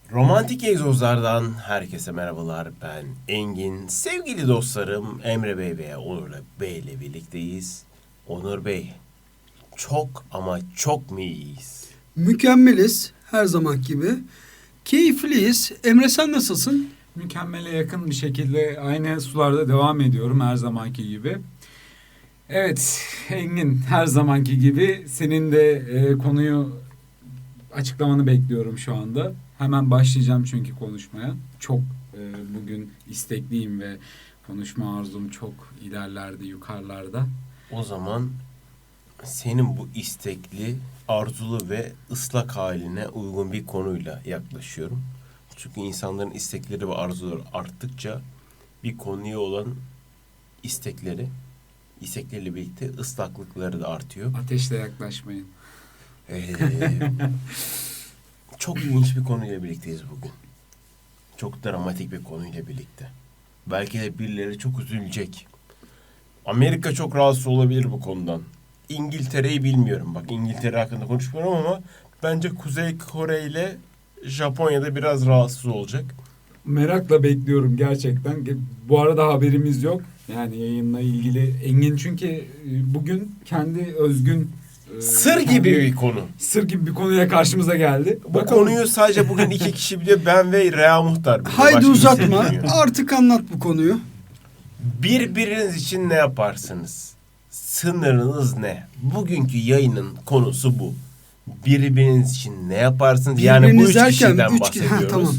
Romantik egzozlardan herkese merhabalar. Ben Engin. Sevgili dostlarım Emre Bey ve Onur Bey ile birlikteyiz. Onur Bey, çok ama çok mu iyiyiz? Mükemmeliz her zaman gibi. Keyifliyiz. Emre sen nasılsın? Mükemmele yakın bir şekilde aynı sularda devam ediyorum her zamanki gibi. Evet Engin, her zamanki gibi senin de konuyu açıklamanı bekliyorum şu anda. Hemen başlayacağım çünkü konuşmaya. Çok bugün istekliyim ve konuşma arzum çok ilerlerde, yukarılarda. O zaman senin bu istekli, arzulu ve ıslak haline uygun bir konuyla yaklaşıyorum. Çünkü insanların istekleri ve arzuları arttıkça bir konuya olan istekleriyle birlikte ıslaklıkları da artıyor. Ateşle yaklaşmayın. Çok ilginç bir konuyla birlikteyiz bugün. Çok dramatik bir konuyla birlikte. Belki de birileri çok üzülecek. Amerika çok rahatsız olabilir bu konudan. İngiltere'yi bilmiyorum. Bak, İngiltere hakkında konuşmuyorum ama bence Kuzey Kore ile Japonya'da biraz rahatsız olacak. Merakla bekliyorum gerçekten. Bu arada haberimiz yok. Yani yayınla ilgili Engin çünkü bugün kendi özgün Sır gibi bir konu. Sır gibi bir konuyla karşımıza geldi. Bu konuyu sadece bugün 2 kişi biliyor. Ben ve Rea Muhtar biliyor. Haydi Başka kimse uzatma. bilmiyor. Artık anlat bu konuyu. Birbiriniz için ne yaparsınız? Sınırınız ne? Bugünkü yayının konusu bu. Birbiriniz için ne yaparsınız? Yani bu Birbiriniz üç derken kişiden üç bahsediyoruz. tamam.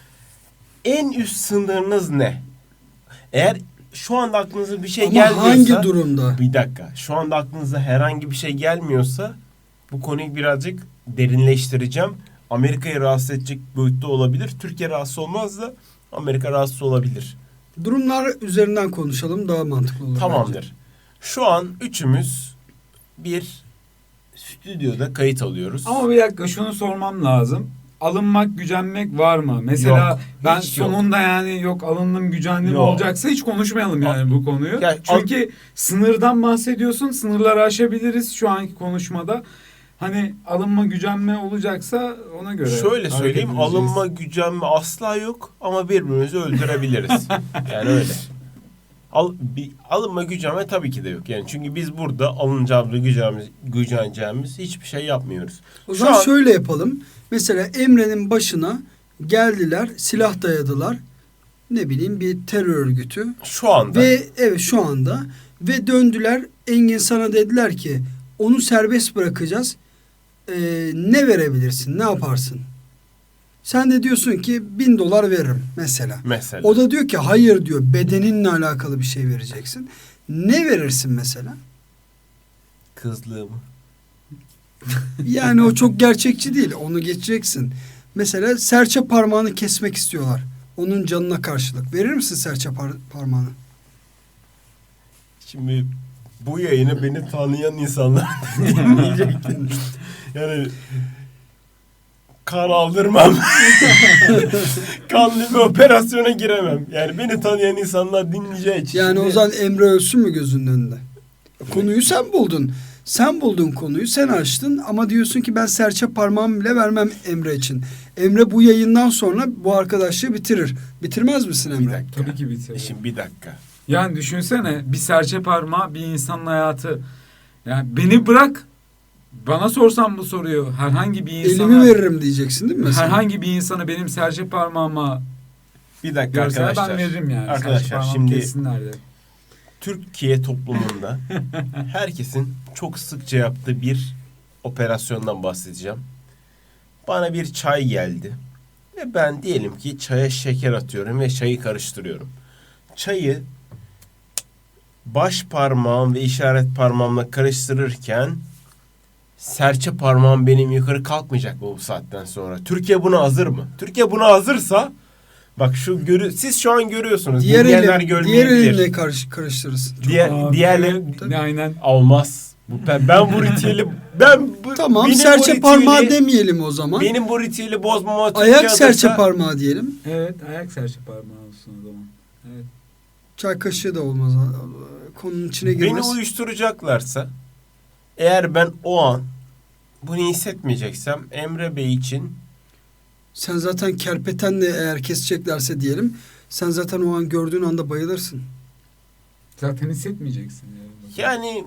En üst sınırınız ne? Eğer şu anda aklınıza bir şey Ama gelmiyorsa... hangi durumda? Bir dakika. Şu anda aklınıza herhangi bir şey gelmiyorsa bu konuyu birazcık derinleştireceğim. Amerika'yı rahatsız edecek boyutta olabilir. Türkiye rahatsız olmaz da Amerika rahatsız olabilir. Durumlar üzerinden konuşalım, daha mantıklı olur. Tamamdır. bence. Şu an üçümüz bir stüdyoda kayıt alıyoruz. Ama bir dakika şunu sormam lazım. Alınmak, gücenmek var mı? Mesela Yok, ben hiç yok. sonunda yani yok alındım, gücendim Yok. olacaksa hiç konuşmayalım yani bu konuyu. Ya, Çünkü sınırdan bahsediyorsun. Sınırları aşabiliriz şu anki konuşmada. Hani alınma, gücenme olacaksa ona göre. Şöyle hareket söyleyeyim, edeceğiz. alınma, gücenme asla yok ama birbirimizi öldürebiliriz. Yani öyle. Alınma, gücenme tabii ki de yok. Yani çünkü biz burada alınacağımız, güceneceğimiz hiçbir şey yapmıyoruz. O Şu zaman an- şöyle yapalım. Mesela Emre'nin başına geldiler, silah dayadılar. Ne bileyim bir terör örgütü. Şu anda Ve evet şu anda ve döndüler, Engin sana dediler ki onu serbest bırakacağız. Ne verebilirsin? Ne yaparsın? Sen de diyorsun ki $1000 veririm mesela. mesela O da diyor ki hayır diyor, bedeninle alakalı bir şey vereceksin. Ne verirsin mesela? kızlığımı. Yani o çok gerçekçi değil. Onu geçeceksin. Mesela serçe parmağını kesmek istiyorlar. Onun canına karşılık. Verir misin serçe parmağını? Şimdi bu yayını beni tanıyan insanlar dinleyecektir. Yani kan aldırmam. Kanlı bir operasyona giremem. Yani beni tanıyan insanlar dinleyeceği için. Yani Şimdi- o zaman Emre ölsün mü gözünün önünde? Konuyu sen buldun. Sen buldun konuyu, sen açtın ama diyorsun ki ben serçe parmağımı bile vermem Emre için. Emre bu yayından sonra bu arkadaşlığı bitirir. Bitirmez misin Bir Emre? dakika. Tabii ki bitirir. Şimdi bir dakika. Yani düşünsene bir serçe parmağı bir insanın hayatı. Yani beni bırak. Bana sorsan bu soruyu herhangi bir insana. Elimi veririm diyeceksin değil mi mesela? Herhangi bir insana benim serçe parmağıma Bir dakika görseler arkadaşlar. ben veririm yani. Arkadaşlar, Serçe parmağımı şimdi- kessinler de. Türkiye toplumunda herkesin çok sıkça yaptığı bir operasyondan bahsedeceğim. Bana bir çay geldi. Ve ben diyelim ki çaya şeker atıyorum ve çayı karıştırıyorum. Çayı baş parmağım ve işaret parmağımla karıştırırken serçe parmağım benim yukarı kalkmayacak mı bu saatten sonra? Türkiye buna hazır mı? Türkiye buna hazırsa bak siz şu an görüyorsunuz. Diğer Dinleyenler diğer görmeyebilir. elinle karıştırırsın. Diğerleri Aynen. olmaz. Ben bu ritüeli Tamam, benim serçe bu parmağı ritüeli- demeyelim o zaman. Benim bu ritüeli bozmama Ayak Türkiye serçe adresi- parmağı diyelim. Evet, ayak serçe parmağı olsun o zaman. Evet. Çay kaşığı da olmaz. Konunun içine Beni girmez. uyuşturacaklarsa eğer ben o an bunu hissetmeyeceksem Emre Bey için Sen zaten kerpetenle eğer keseceklerse diyelim, sen zaten o an gördüğün anda bayılırsın. Zaten hissetmeyeceksin. Yani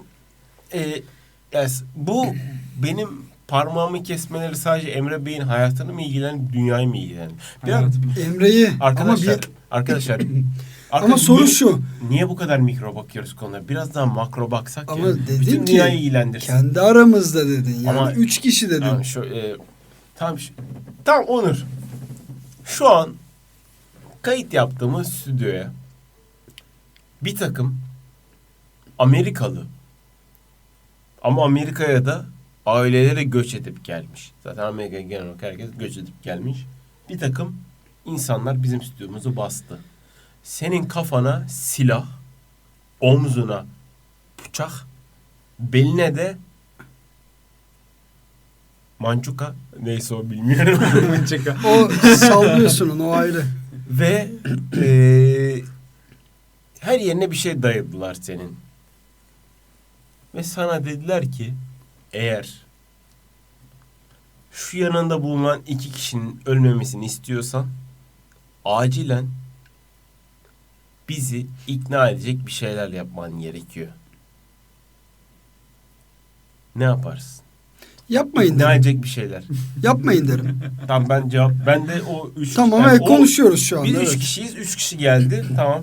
bu benim parmağımı kesmeleri sadece Emre Bey'in hayatını mı ilgilenir, dünyayı mı ilgilenir? Biraz Hayatım. Emre'yi arkadaşlar, arkadaşlar. ama soru şu. Niye bu kadar mikro bakıyoruz konuya? Biraz daha makro baksak Ama ya. dedin Bütün ki, dünyayı ilgilendirsin. kendi aramızda dedin. Yani Ama- 3 kişi dedin. Tamam, tamam Onur. Şu an kayıt yaptığımız stüdyoya bir takım Amerikalı ama Amerika'ya da ailelere göç edip gelmiş. Zaten Amerika'ya genel olarak herkes göç edip gelmiş. Bir takım insanlar bizim stüdyomuzu bastı. Senin kafana silah, omzuna bıçak, beline de mançuka, neyse o bilmiyorum. O sallıyorsun onu, o ayrı. Ve her yerine bir şey dayadılar senin. Ve sana dediler ki eğer şu yanında bulunan 2 kişinin ölmemesini istiyorsan acilen bizi ikna edecek bir şeyler yapman gerekiyor. Ne yaparsın? Yapmayın İkna derim. edecek bir şeyler. Yapmayın derim. Tamam ben de o 3 Tamam, evet, konuşuyoruz şu anda. Biz 3 evet. kişiyiz. 3 kişi geldi. Tamam.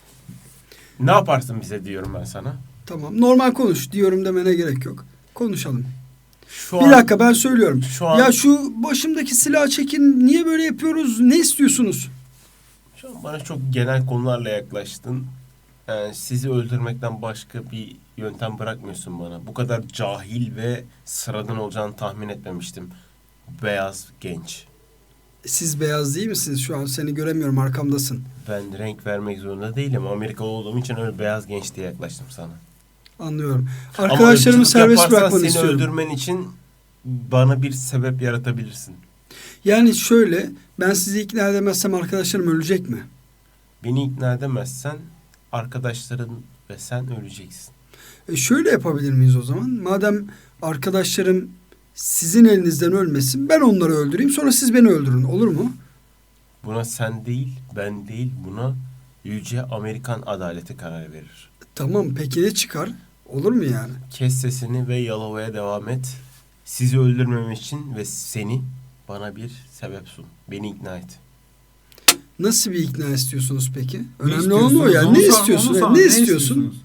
Ne yaparsın bize diyorum ben sana. Tamam, normal konuş diyorum demene gerek yok. Konuşalım. Şu Bir dakika, ben söylüyorum. Şu an, Ya şu başımdaki silahı çekin, niye böyle yapıyoruz, ne istiyorsunuz? şu an bana çok genel konularla yaklaştın. Yani sizi öldürmekten başka bir yöntem bırakmıyorsun bana. Bu kadar cahil ve sıradan olacağını tahmin etmemiştim. Beyaz genç. Siz beyaz değil misiniz? Şu an seni göremiyorum, arkamdasın. Ben renk vermek zorunda değilim. Amerikalı olduğum için öyle beyaz genç diye yaklaştım sana. Anlıyorum. Ama Arkadaşlarımı ırkçılık serbest yaparsan bırakmanı seni istiyorum. öldürmen için bana bir sebep yaratabilirsin. Yani şöyle, ben sizi ikna edemezsem arkadaşlarım ölecek mi? Beni ikna edemezsen arkadaşların ve sen öleceksin. Şöyle yapabilir miyiz o zaman? Madem arkadaşlarım sizin elinizden ölmesin, ben onları öldüreyim, sonra siz beni öldürün. Olur mu? Buna sen değil, ben değil, buna yüce Amerikan adaleti karar verir. Tamam, peki ne çıkar? Olur mu yani? Kes sesini ve yalovaya devam et. Sizi öldürmem için ve seni bana bir sebep sun. Beni ikna et. Nasıl bir ikna istiyorsunuz peki? Ne Önemli olan o istiyorsunuz? yani. Onu Ne sor- istiyorsun? onu Evet, sor. ne Ne istiyorsun?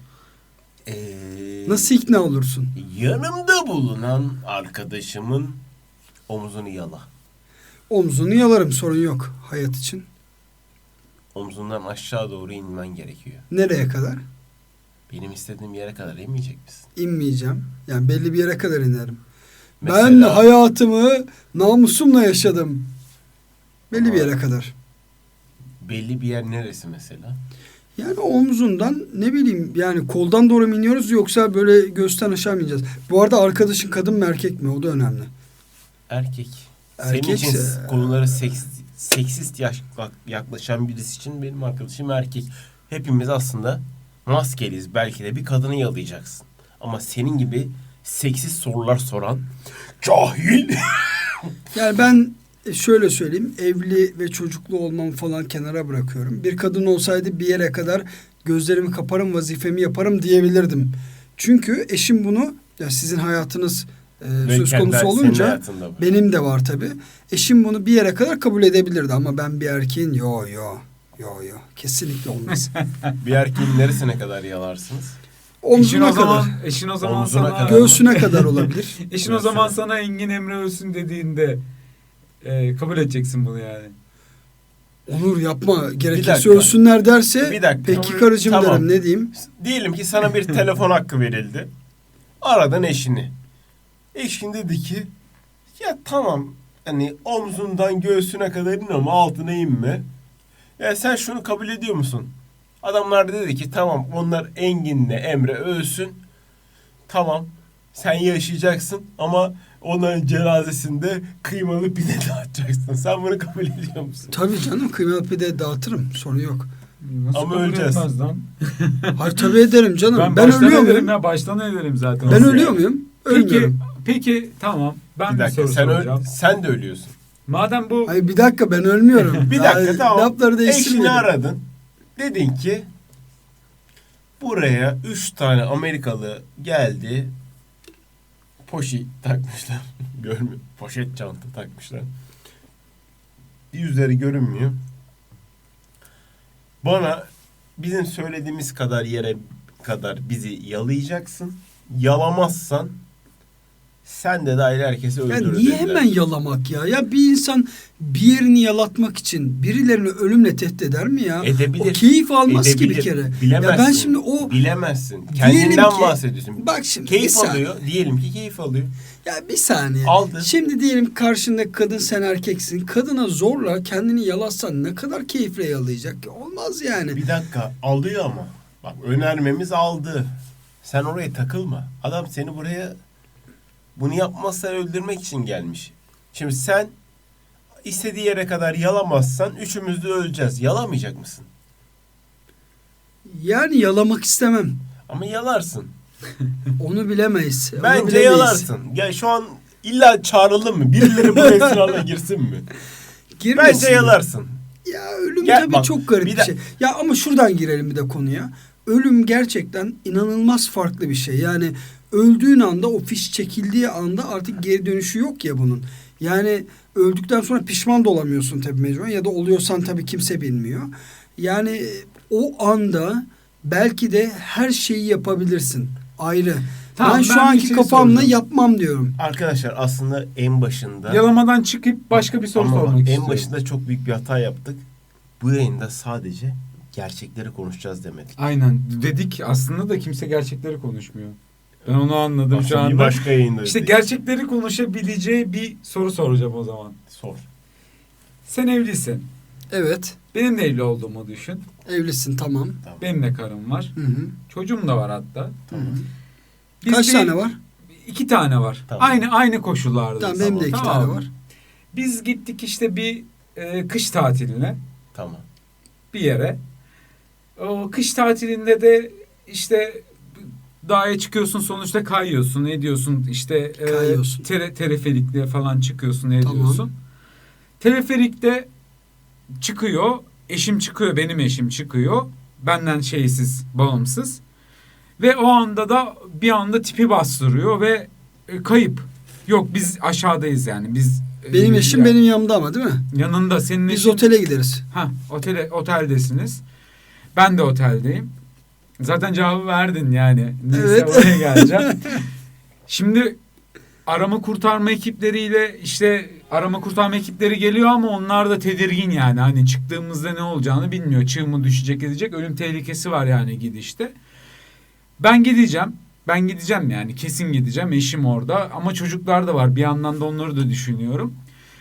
Nasıl ikna olursun? Yanımda bulunan arkadaşımın omzunu yala. Omzunu yalarım, sorun yok hayat için. Omzundan aşağı doğru inmen gerekiyor. Nereye kadar? Benim istediğim yere kadar inmeyecek misin? İnmeyeceğim. Yani belli bir yere kadar inerim. Ben Mesela- hayatımı namusumla yaşadım. Belli bir yere kadar. Belli bir yer neresi mesela? Yani omzundan, ne bileyim, yani koldan doğru mu iniyoruz yoksa böyle göğüsten aşağı mı ineceğiz? Bu arada arkadaşın kadın mı erkek mi? O da önemli. Erkek. Senin Erkekse- için konulara seksist yaklaşan birisi için benim arkadaşım erkek. Hepimiz aslında maskeliyiz. Belki de bir kadını yalayacaksın. Ama senin gibi seksist sorular soran cahil. Yani ben şöyle söyleyeyim, evli ve çocuklu olmam falan kenara bırakıyorum. Bir kadın olsaydı bir yere kadar gözlerimi kaparım, vazifemi yaparım diyebilirdim. Çünkü eşim bunu, ya sizin hayatınız söz konusu Senin olunca hayatında var. benim de var tabii. Eşim bunu bir yere kadar kabul edebilirdi ama ben bir erkeğin yo kesinlikle olmaz. Bir erkeğin neresine kadar yalarsınız? Omzuna kadar, Eşin o zaman Omzuna sana kadar. göğsüne kadar olabilir. Eşin o zaman sana Engin Emre ölsün dediğinde kabul edeceksin bunu yani. Olur, yapma, Bir gerekirse dakika. ölsünler derse Bir dakika. peki karıcığım Tamam. derim, ne diyeyim? Diyelim ki sana bir telefon hakkı verildi. Aradın eşini. Eşin dedi ki ya tamam, hani omzundan göğsüne kadar in ama altına inme. Ya sen şunu kabul ediyor musun? Adamlar da dedi ki tamam, onlar Engin'le Emre ölsün. Tamam, sen yaşayacaksın ama onların cenazesinde kıymalı pide dağıtacaksın. Sen bunu kabul ediyor musun? Tabii canım, kıymalı pide dağıtırım, sorun yok. Nasıl Ama kabul öleceğiz. etmez lan? Hayır, tabii ederim canım. Ben baştan ölüyor ederim muyum? ya, baştan ederim zaten. Ben Nasıl ölüyor yani? muyum? Peki, Ölmüyorum. peki tamam. Ben Bir bir dakika, soru sen soracağım. sen de ölüyorsun. Madem bu Hayır bir dakika ben ölmüyorum. Bir dakika Ay, tamam. Lafları Eşini değiştirmedim. aradın. Dedin ki buraya 3 tane Amerikalı geldi. Poşet takmışlar. Görmüyor. Poşet çanta takmışlar. Yüzleri görünmüyor. Bana bizim söylediğimiz kadar yere kadar bizi yalayacaksın. Yalamazsan sen de dahil herkesi Ya öldürür niye dediler. hemen yalamak ya? Ya bir insan bir yerini yalatmak için birilerini ölümle tehdit eder mi ya? Edebilir. O keyif almaz ki Edebilir. bir kere. Bilemezsin. Ya ben şimdi o Bilemezsin. Diyelim Kendinden ki- bahsediyorsun. bak şimdi bir Keyif saniye. alıyor. Diyelim ki keyif alıyor. Ya bir saniye. Aldı. Şimdi diyelim karşındaki kadın sen erkeksin. Kadına zorla kendini yalatsan ne kadar keyifle yalayacak? Olmaz yani. Bir dakika alıyor ama. Bak önermemiz aldı. Sen oraya takılma. Adam seni buraya bunu yapmazsan öldürmek için gelmiş. Şimdi sen istediği yere kadar yalamazsan üçümüz de öleceğiz. Yalamayacak mısın? Yani yalamak istemem. Ama yalarsın. Onu bilemeyiz. Onu Bence bilemeyiz. yalarsın. Ya şu an illa çağıralım mı? Birileri buraya sırayla girsin mi? Girmesin. Bence yalarsın. Ya ölüm Gel tabii bak, çok garip bir bir de- şey. Ya ama şuradan girelim bir de konuya. Ölüm gerçekten inanılmaz farklı bir şey. Yani öldüğün anda o fiş çekildiği anda artık geri dönüşü yok ya bunun. Yani öldükten sonra pişman da olamıyorsun tabii mecburen ya da oluyorsan tabii kimse bilmiyor. Yani o anda belki de her şeyi yapabilirsin. Ayrı. Tamam, ben şu ben bir anki şey kafamla soracağım. yapmam diyorum. Arkadaşlar aslında en başında yalamadan çıkıp başka bir soru ama bak, sormak istiyorum. en başında çok büyük bir hata yaptık. Bu yayında sadece gerçekleri konuşacağız demedik. Aynen dedik aslında da kimse gerçekleri konuşmuyor. Ben onu anladım şu Aslında bir anda. başka yayında İşte dedik. gerçekleri konuşabileceği bir soru soracağım o zaman. Sor. Sen evlisin. Evet. Benim de evli olduğumu düşün. Evlisin tamam. Tamam. Benim de karım var. Hı hı. Çocuğum da var hatta. Tamam. Biz Kaç bir- tane var? 2 tane var. Tamam. Aynı koşullarda. Tamam benim de 2 tane var. Biz gittik işte bir kış tatiline Tamam. bir yere. O kış tatilinde de işte dağa çıkıyorsun sonuçta kayıyorsun ediyorsun işte Kayıyorsun. teleferikle falan çıkıyorsun ediyorsun. Tamam. Teleferikte çıkıyor eşim çıkıyor benim eşim çıkıyor benden şeysiz bağımsız ve o anda da bir anda tipi bastırıyor ve kayıp. Yok biz aşağıdayız yani biz Benim eşim yani benim yanımda ama değil mi? yanında senin Biz eşin otele gideriz. oteldesiniz. Ben de oteldeyim. Zaten cevabı verdin yani. Neyse Evet. oraya geleceğim. Şimdi arama kurtarma ekipleriyle işte arama kurtarma ekipleri geliyor ama onlar da tedirgin yani. Hani çıktığımızda ne olacağını bilmiyor. Çığ mı düşecek edecek. Ölüm tehlikesi var yani gidişte. Ben gideceğim. Ben gideceğim yani kesin gideceğim. Eşim orada ama çocuklar da var. Bir yandan da onları da düşünüyorum.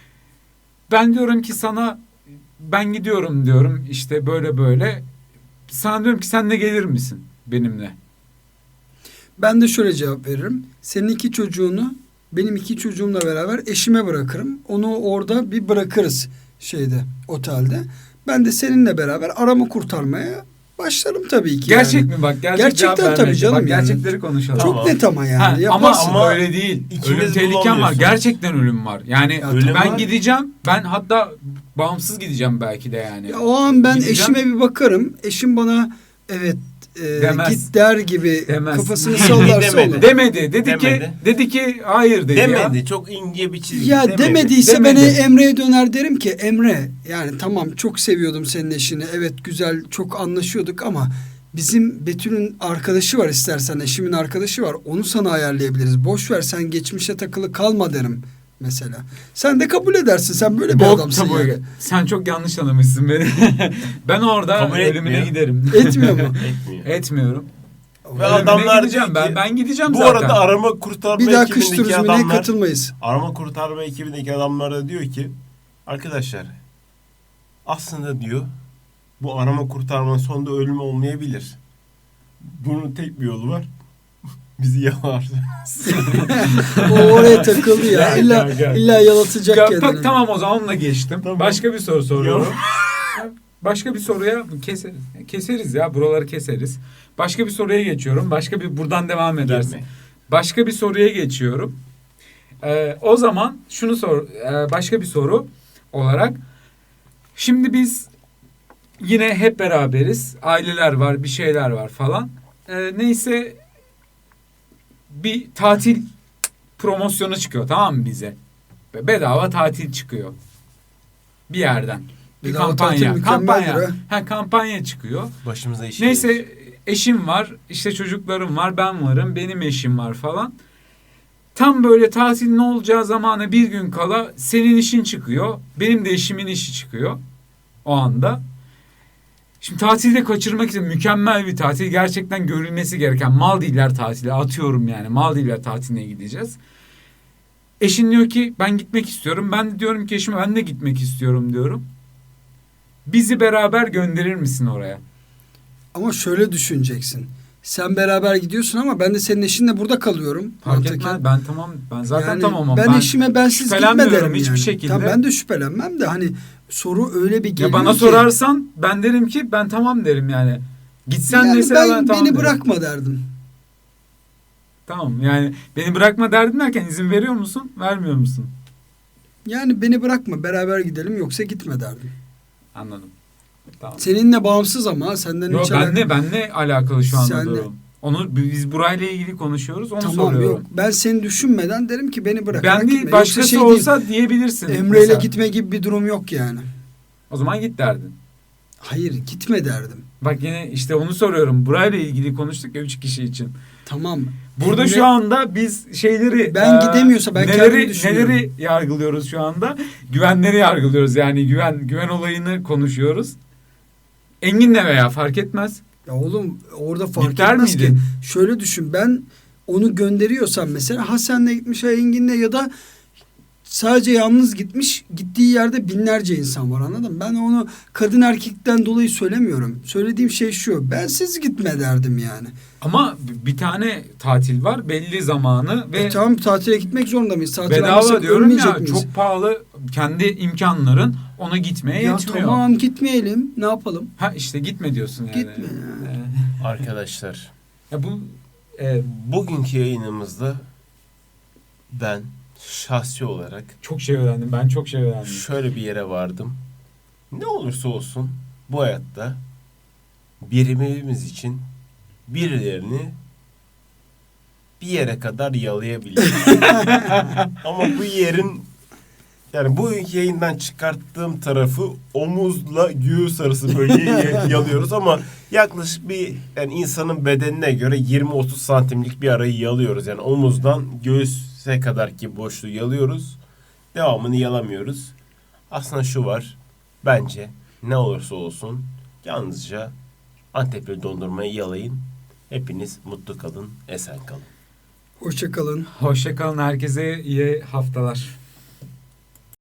Ben diyorum ki sana ben gidiyorum diyorum işte böyle böyle. Sana diyorum ki sen de gelir misin benimle? Ben de şöyle cevap veririm. Senin 2 çocuğunu benim 2 çocuğumla beraber eşime bırakırım. Onu orada bir bırakırız şeyde otelde. Ben de seninle beraber arama kurtarmaya başlarım tabii ki. Gerçek yani. mi bak? Gerçekten cevap tabii vermeyeceğim. canım Bak, yani. gerçekleri konuşalım. Çok Tamam. net ama yani. Ha, ama Yaparsın. öyle değil. İkiniz Ölüm tehlikem var. bulamıyorsunuz. Gerçekten ölüm var. Yani Ya Ölüm ben var. gideceğim. Ben hatta bağımsız gideceğim belki de yani. Ya o an ben Gideceğim. eşime bir bakarım. Eşim bana evet Demez. git der gibi Demez. kafasını sallarsa Demedi. olur. Demedi. Dedi Demedi. ki hayır dedi Demedi. ya. Çok ince bir çizgi. Ya demedi. demediyse Demedi. ben Emre'ye döner derim ki Emre yani tamam çok seviyordum senin eşini. Evet güzel çok anlaşıyorduk ama bizim Betül'ün arkadaşı var istersen eşimin arkadaşı var. Onu sana ayarlayabiliriz. Boş ver sen geçmişe takılı kalma derim mesela. Sen de kabul edersin. Sen böyle bir Bok adamsın tabuğu. yani. Sen çok yanlış anlamışsın beni. Ben orada Kabul ölümüne etmiyor. giderim. Etmiyor mu? Etmiyor. Etmiyorum. Ve Ölümüne adamlar gideceğim. diyor ki, Ben gideceğim bu zaten. arada arama kurtarma Bir daha kış ekibindeki turizmine adamlar katılmayız. arama kurtarma ekibindeki adamlar da diyor ki arkadaşlar aslında diyor bu arama kurtarmanın sonunda ölüm olmayabilir. Bunun tek bir yolu var. Bizi yalar. O oraya takıldı ya. Gel, İlla, gel, gel. illa yalatacak Ya, kendini. tamam o zaman onunla geçtim. Tamam. Başka bir soru soruyorum. Başka bir soruya keseriz ya. Buraları keseriz. Başka bir soruya geçiyorum. Başka bir buradan devam edersin. Girme. Başka bir soruya geçiyorum. O zaman şunu başka bir soru olarak. Şimdi biz yine hep beraberiz. Aileler var, bir şeyler var falan. Neyse bir tatil promosyonu çıkıyor, tamam mı bize? Bedava tatil çıkıyor. Bir yerden. Bir Bedava kampanya. tatil mükemmeldir Kampanya. ha. Kampanya çıkıyor. Başımıza iş Neyse gelir. eşim var, işte çocuklarım var, ben varım, benim eşim var falan. Tam böyle tatilin olacağı zamana bir gün kala senin işin çıkıyor, benim de eşimin işi çıkıyor o anda. Şimdi tatilde kaçırmak için mükemmel bir tatil, gerçekten görülmesi gereken Maldivler tatili, atıyorum yani Maldivler tatiline gideceğiz. Eşin diyor ki ben gitmek istiyorum, ben de diyorum ki eşime ben de gitmek istiyorum diyorum. Bizi beraber gönderir misin oraya? Ama şöyle düşüneceksin. Sen beraber gidiyorsun ama ben de senin eşinle burada kalıyorum. Fark mantıken. etmez, ben tamam, ben zaten Yani tamamım. ben eşime bensiz gitme şüphelenmiyorum derim hiçbir yani. şekilde. Tamam, ben de şüphelenmem de hani soru öyle bir geliyor Ya bana ki. sorarsan ben derim ki ben tamam derim yani. Gitsen Yani mesela ben ben tamam beni derim. bırakma derdim. Tamam yani beni bırakma derdin derken izin veriyor musun? Vermiyor musun? Yani beni bırakma, beraber gidelim yoksa gitme derdim. Anladım. Tamam. Seninle bağımsız ama senden Yok hiç benle alakalı şu anda Senle. durum. Onu biz burayla ilgili konuşuyoruz. Onu Tamam, soruyorum. yok. Ben seni düşünmeden derim ki beni bırak. Ben değil başkası olsa diyebilirsin. Emre ile mesela. gitme gibi bir durum yok yani. O zaman git derdin. Hayır, gitme derdim. Bak yine işte onu soruyorum. Burayla ilgili konuştuk ya 3 kişi için. Tamam. Burada Emre- şu anda biz şeyleri Ben gidemiyorsa ben kendim düşünüyorum. Neleri yargılıyoruz şu anda? Güvenleri yargılıyoruz. Yani güven olayını konuşuyoruz. Engin'le veya fark etmez. Ya oğlum orada fark Biter etmez miydin? ki. Şöyle düşün, ben onu gönderiyorsam mesela Hasan'la gitmiş, ha Engin'le ya da sadece yalnız gitmiş, gittiği yerde binlerce insan var, anladın mı? Ben onu kadın erkekten dolayı söylemiyorum. Söylediğim şey şu: bensiz gitme derdim yani. Ama bir tane tatil var belli zamanı ve Tamam, tatile gitmek zorunda mıyız? Tatil bedava almasak diyorum ölmeyecek ya, miyiz? çok pahalı, kendi imkanların ona gitmeye Ya yetmiyor. tamam, gitmeyelim, ne yapalım? Ha işte gitme diyorsun yani. Gitme ya. Arkadaşlar, Ya bu bugünkü yayınımızda ben şahsi olarak çok şey öğrendim. Ben çok şey öğrendim. şöyle bir yere vardım. Ne olursa olsun bu hayatta birimiz için birilerini bir yere kadar yalayabiliriz. Ama bu yerin, yani bu yayından çıkarttığım tarafı omuzla göğüs arası bölgeyi yalıyoruz ama yaklaşık bir, yani insanın bedenine göre 20-30 santimlik bir arayı yalıyoruz. Yani omuzdan göğüse kadar ki boşluğu yalıyoruz. Devamını yalamıyoruz. Aslında şu var. Bence ne olursa olsun yalnızca Antepli dondurmayı yalayın. Hepiniz mutlu kalın, esen kalın. Hoşça kalın. Hoşça kalın, herkese iyi haftalar.